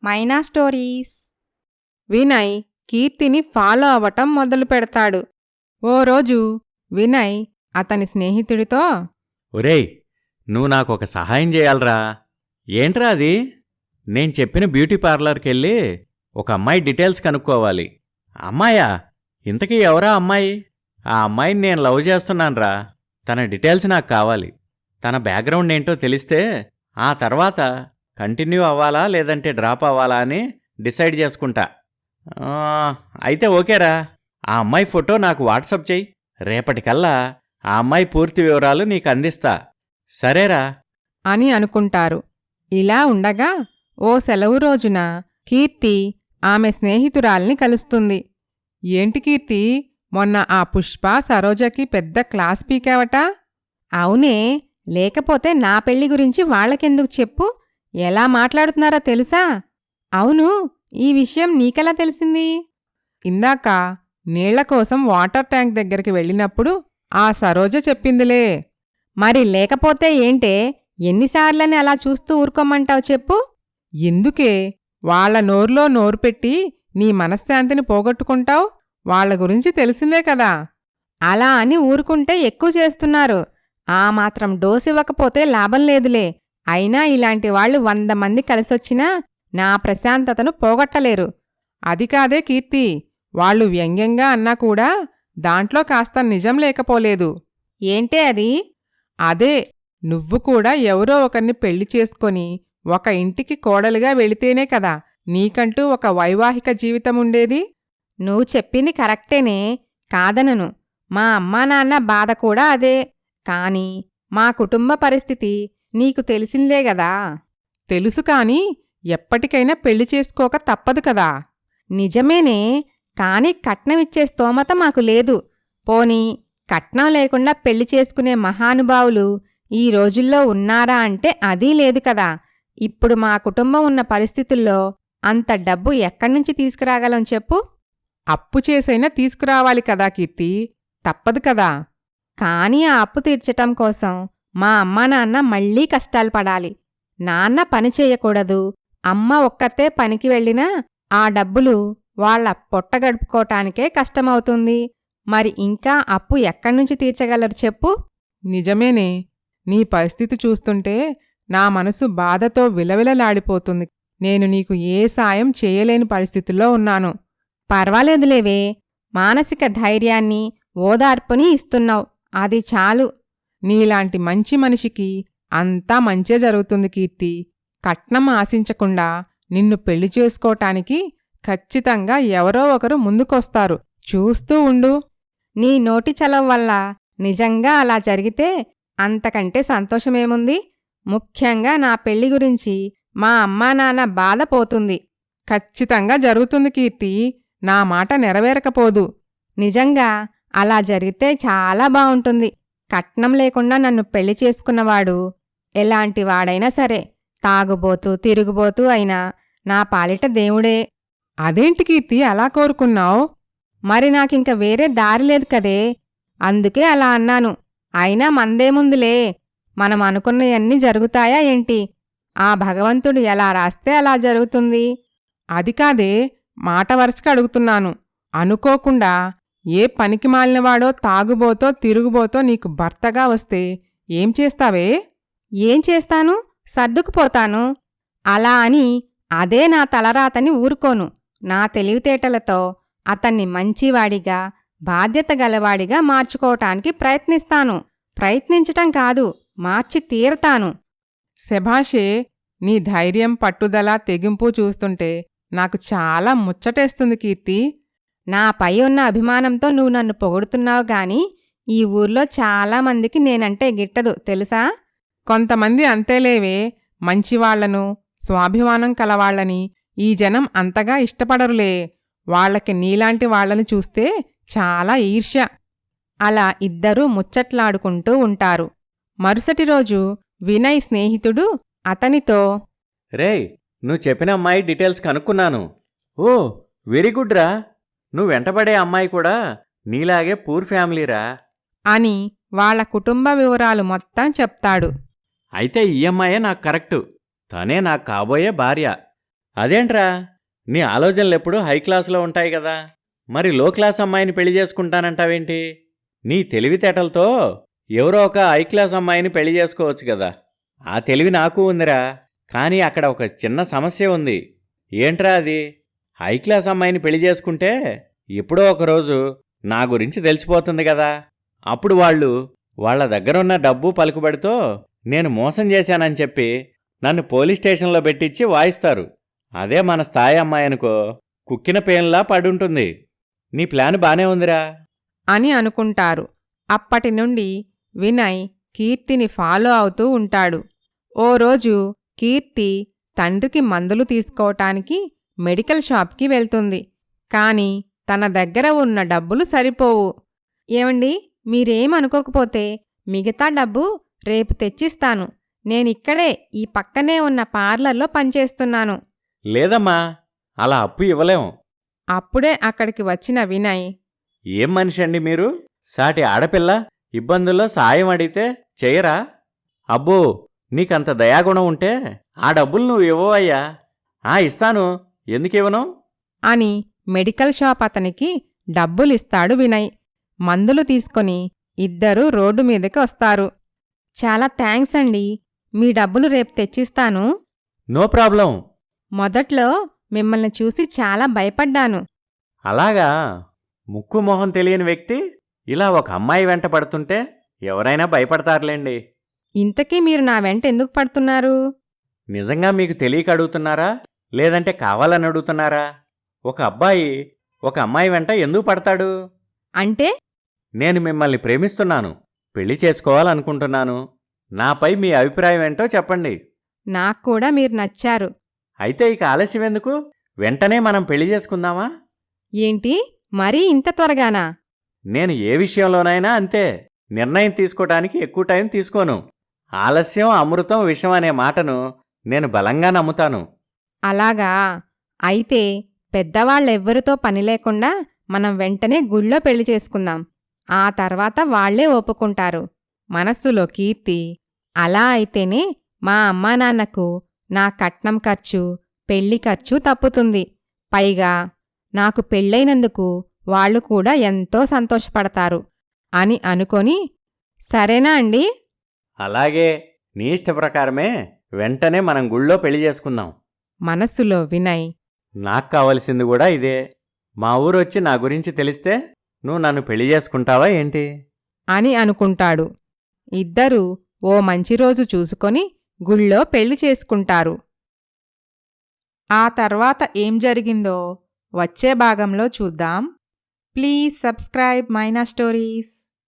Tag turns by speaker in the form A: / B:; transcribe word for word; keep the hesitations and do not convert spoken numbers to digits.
A: మైనా stories.
B: Vinay కీర్తిని follow అవటం మొదలు పెడతాడు. ఓ రోజు వినయ్ అతని స్నేహితుడితో,
C: ఒరేయ్, నువ్వు నాకొక సహాయం చేయాలరా. ఏంట్రా అది? నేను చెప్పిన బ్యూటీ పార్లర్కెళ్ళి ఒక అమ్మాయి డీటెయిల్స్ కనుక్కోవాలి. అమ్మాయా? ఇంతకీ ఎవరా అమ్మాయి? ఆ అమ్మాయిని నేను లవ్ చేస్తున్నాన్రా. తన డీటెయిల్స్ నాకు కావాలి. తన బ్యాక్గ్రౌండ్ ఏంటో తెలిస్తే ఆ తర్వాత కంటిన్యూ అవ్వాలా లేదంటే డ్రాప్ అవ్వాలా అని డిసైడ్ చేసుకుంటా. ఆ, అయితే ఓకేరా. ఆ అమ్మాయి ఫోటో నాకు వాట్సప్ చెయ్యి. రేపటికల్లా ఆ అమ్మాయి పూర్తి వివరాలు నీకు అందిస్తా. సరేరా
B: అని అనుకుంటారు. ఇలా ఉండగా ఓ సెలవు రోజున కీర్తి ఆమె స్నేహితురాల్ని కలుస్తుంది. ఏంటి కీర్తి, మొన్న ఆ పుష్ప సరోజకి పెద్ద క్లాస్ పీకావట?
A: అవునే, లేకపోతే నా పెళ్లి గురించి వాళ్ళకెందుకు చెప్పు? ఎలా మాట్లాడుతున్నారో తెలుసా? అవును, ఈ విషయం నీకెలా తెలిసింది?
B: ఇందాక నీళ్ల కోసం వాటర్ ట్యాంక్ దగ్గరికి వెళ్ళినప్పుడు ఆ సరోజ చెప్పిందిలే.
A: మరి లేకపోతే ఏంటే? ఎన్నిసార్లని అలా చూస్తూ ఊరుకోమంటావు చెప్పు?
B: ఎందుకే వాళ్ల నోరులో నోరు పెట్టి నీ మనశ్శాంతిని పోగొట్టుకుంటావు? వాళ్ల గురించి తెలిసిందే కదా.
A: అలా అని ఊరుకుంటే ఎక్కువ చేస్తున్నారు. ఆ మాత్రం డోసు ఇవ్వకపోతే లాభం లేదులే. అయినా ఇలాంటి వాళ్ళు వంద మంది కలిసొచ్చినా నా ప్రశాంతతను పోగొట్టలేరు.
B: అది కాదే కీర్తి, వాళ్ళు వ్యంగ్యంగా అన్నా కూడా దాంట్లో కాస్త నిజం లేకపోలేదు.
A: ఏంటే అది?
B: అదే, నువ్వు కూడా ఎవరో ఒకరిని పెళ్లి చేసుకొని ఒక ఇంటికి కోడలుగా వెళితేనే కదా నీకంటూ ఒక వైవాహిక జీవితముండేది.
A: నువ్వు చెప్పింది కరెక్టేనే, కాదనను. మా అమ్మా నాన్న బాధ కూడా అదే. కాని మా కుటుంబ పరిస్థితి నీకు తెలిసిందే గదా.
B: తెలుసు కాని ఎప్పటికైనా పెళ్లి చేసుకోక తప్పదు కదా.
A: నిజమేనే, కాని కట్నమిచ్చే స్తోమత మాకు లేదు. పోనీ కట్నం లేకుండా పెళ్లి చేసుకునే మహానుభావులు ఈ రోజుల్లో ఉన్నారా అంటే అదీ లేదు కదా. ఇప్పుడు మా కుటుంబం ఉన్న పరిస్థితుల్లో అంత డబ్బు ఎక్కడ్నుంచి తీసుకురాగలం చెప్పు?
B: అప్పు చేసైనా తీసుకురావాలి కదా కీర్తి, తప్పదు కదా.
A: కాని ఆ అప్పు తీర్చటం కోసం మా అమ్మా నాన్న మళ్లీ కష్టాలు పడాలి. నాన్న పని చేయకూడదు, అమ్మ ఒక్కతే పనికి వెళ్ళినా ఆ డబ్బులు వాళ్ల పొట్టగడుపుకోటానికే కష్టమవుతుంది. మరి ఇంకా అప్పు ఎక్కడ్నుంచి తీర్చగలరు చెప్పు?
B: నిజమేనే, నీ పరిస్థితి చూస్తుంటే నా మనసు బాధతో విలవిలలాడిపోతుంది. నేను నీకు ఏ సాయం చేయలేని పరిస్థితుల్లో ఉన్నాను.
A: పర్వాలేదులేవే, మానసిక ధైర్యాన్ని ఓదార్పుని ఇస్తున్నావు, అది చాలు.
B: నీలాంటి మంచి మనిషికి అంతా మంచే జరుగుతుంది కీర్తి. కట్నం ఆశించకుండా నిన్ను పెళ్లి చేసుకోటానికి ఖచ్చితంగా ఎవరో ఒకరు ముందుకొస్తారు, చూస్తూ ఉండు.
A: నీ నోటి చలవ వల్ల నిజంగా అలా జరిగితే అంతకంటే సంతోషమేముంది? ముఖ్యంగా నా పెళ్లి గురించి మా అమ్మా నాన్న బాధపోతుంది.
B: ఖచ్చితంగా జరుగుతుంది కీర్తి, నా మాట నెరవేరకపోదు.
A: నిజంగా అలా జరిగితే చాలా బావుంటుంది. కట్నం లేకుండా నన్ను పెళ్లి చేసుకున్నవాడు ఎలాంటివాడైనా సరే, తాగుబోతూ తిరుగుబోతూ అయినా నా పాలిట దేవుడే.
B: అదేంటి కీర్తి అలా కోరుకున్నావు?
A: మరి నాకింక వేరే దారి లేదు కదే, అందుకే అలా అన్నాను. అయినా మందేముందులే, మనం అనుకున్నయన్నీ జరుగుతాయా ఏంటి? ఆ భగవంతుడు ఎలా రాస్తే అలా జరుగుతుంది.
B: అది కాదే, మాట వరుసగా అడుగుతున్నాను. అనుకోకుండా ఏ పనికి మాలినవాడో తాగుబోతో తిరుగుబోతో నీకు భర్తగా వస్తే ఏం చేస్తావే?
A: ఏం చేస్తాను? సర్దుకుపోతాను. అలా అని అదే నా తలరాతని ఊరుకోను. నా తెలివితేటలతో అతన్ని మంచివాడిగా బాధ్యత గలవాడిగా మార్చుకోవటానికి ప్రయత్నిస్తాను. ప్రయత్నించటం కాదు, మార్చి తీరతాను.
B: శభాషే, నీ ధైర్యం పట్టుదల తెగింపు చూస్తుంటే నాకు చాలా ముచ్చటేస్తుంది కీర్తి.
A: నాపై ఉన్న అభిమానంతో నువ్వు నన్ను పొగుడుతున్నావు గాని ఈ ఊర్లో చాలామందికి నేనంటే గిట్టదు తెలుసా?
B: కొంతమంది అంతేలేవే, మంచివాళ్లను స్వాభిమానం కలవాళ్లని ఈ జనం అంతగా ఇష్టపడరులే. వాళ్లకి నీలాంటి వాళ్లని చూస్తే చాలా ఈర్ష్య.
A: అలా ఇద్దరూ ముచ్చట్లాడుకుంటూ ఉంటారు. మరుసటి రోజు వినయ్ స్నేహితుడు అతనితో,
C: రేయ్, నువ్వు చెప్పిన అమ్మాయి డీటెయిల్స్ కనుక్కున్నాను. ఓ వెరీ గుడ్ రా. నువ్వు వెంటబడే అమ్మాయి కూడా నీలాగే పూర్ ఫ్యామిలీరా
B: అని వాళ్ల కుటుంబ వివరాలు మొత్తం చెప్తాడు.
C: అయితే ఈ అమ్మాయే నాకు కరెక్టు. తనే నాకు కాబోయే భార్య. అదేంట్రా, నీ ఆలోచనలు ఎప్పుడూ హై క్లాసులో ఉంటాయి కదా, మరి లో క్లాస్ అమ్మాయిని పెళ్లి చేసుకుంటానంటావేంటి? నీ తెలివితేటలతో ఎవరో ఒక హై క్లాస్ అమ్మాయిని పెళ్లి చేసుకోవచ్చు కదా. ఆ తెలివి నాకు ఉందిరా, కానీ అక్కడ ఒక చిన్న సమస్య ఉంది. ఏంట్రా అది? హై క్లాస్ అమ్మాయిని పెళ్లి చేసుకుంటే ఎప్పుడో ఒకరోజు నా గురించి తెలిసిపోతుంది కదా. అప్పుడు వాళ్ళు వాళ్ళ దగ్గరున్న డబ్బు పలుకుబడితో నేను మోసం చేశానని చెప్పి నన్ను పోలీస్ స్టేషన్లో పెట్టించి వాయిస్తారు. అదే మన స్థాయి అమ్మాయి అనుకో, కుక్కిన పేన్లా పడుంటుంది. నీ ప్లాన్ బానే ఉందిరా
B: అని అనుకుంటారు. అప్పటి నుండి వినయ్ కీర్తిని ఫాలో అవుతూ ఉంటాడు. ఓ రోజు కీర్తి తండ్రికి మందులు తీసుకోవటానికి మెడికల్ షాప్కి వెళ్తుంది. కాని తన దగ్గర ఉన్న డబ్బులు సరిపోవు.
A: ఏమండి, మీరేమనుకోకపోతే మిగతా డబ్బు రేపు తెచ్చిస్తాను. నేనిక్కడే ఈ పక్కనే ఉన్న పార్లర్లో పనిచేస్తున్నాను.
C: లేదమ్మా, అలా అప్పు ఇవ్వలేం.
B: అప్పుడే అక్కడికి వచ్చిన వినయ్,
C: ఏం మనిషి అండి మీరు? సాటి ఆడపిల్ల ఇబ్బందుల్లో సాయం అడిగితే చెయ్యరా? అబ్బో, నీకంత దయాగుణం ఉంటే ఆ డబ్బులు నువ్వు ఇవ్వవయ్యా. ఆ ఇస్తాను, ఎందుకివ్వను?
B: అని మెడికల్ షాప్ అతనికి డబ్బులిస్తాడు వినయ్. మందులు తీసుకొని ఇద్దరూ రోడ్డు మీదకి వస్తారు.
A: చాలా థ్యాంక్స్ అండి. మీ డబ్బులు రేపు తెచ్చిస్తాను.
C: No problem.
A: మొదట్లో మిమ్మల్ని చూసి చాలా భయపడ్డాను.
C: అలాగా? ముక్కు మొహం తెలియని వ్యక్తి ఇలా ఒక అమ్మాయి వెంట పడుతుంటే ఎవరైనా భయపడతారులేండి.
A: ఇంతకీ మీరు నా వెంట ఎందుకు పడుతున్నారు?
C: నిజంగా మీకు తెలియక అడుగుతున్నారా, లేదంటే కావాలని అడుగుతున్నారా? ఒక అబ్బాయి ఒక అమ్మాయి వెంట ఎందుకు పడతాడు?
A: అంటే?
C: నేను మిమ్మల్ని ప్రేమిస్తున్నాను, పెళ్లి చేసుకోవాలనుకుంటున్నాను. నాపై మీ అభిప్రాయం ఏంటో చెప్పండి.
A: నాక్కూడా మీరు నచ్చారు.
C: అయితే ఇక ఆలస్యం ఎందుకు? వెంటనే మనం పెళ్లి చేసుకుందామా?
A: ఏంటి, మరీ ఇంత త్వరగానా?
C: నేను ఏ విషయంలోనైనా అంతే. నిర్ణయం తీసుకోవటానికి ఎక్కువ టైం తీసుకోను. ఆలస్యం అమృతం విషం అనే మాటను నేను బలంగా నమ్ముతాను.
A: అలాగా? అయితే పెద్దవాళ్ళెవ్వరితో పని లేకుండా మనం వెంటనే గుళ్ళో పెళ్లి చేసుకుందాం. ఆ తర్వాత వాళ్లే ఒప్పుకుంటారు.
B: మనస్సులో కీర్తి,
A: అలా అయితేనే మా అమ్మా నాన్నకు నా కట్నం ఖర్చు, పెళ్లి ఖర్చు తప్పుతుంది. పైగా నాకు పెళ్ళైనందుకు వాళ్ళు కూడా ఎంతో సంతోషపడతారు
B: అని అనుకొని,
A: సరేనా అండి?
C: అలాగే, నీ ఇష్ట ప్రకారమే వెంటనే మనం గుళ్ళో పెళ్లి చేసుకుందాం.
B: మనస్సులో వినయ్,
C: నాకు కావలసింది కూడా ఇదే. మా ఊరొచ్చి నా గురించి తెలిస్తే నువ్వు నన్ను పెళ్లి చేసుకుంటావా ఏంటి?
B: అని అనుకుంటాడు. ఇద్దరూ ఓ మంచి రోజు చూసుకొని గుళ్ళో పెళ్లి చేసుకుంటారు. ఆ తర్వాత ఏం జరిగిందో వచ్చే భాగంలో చూద్దాం. Please subscribe Maina stories.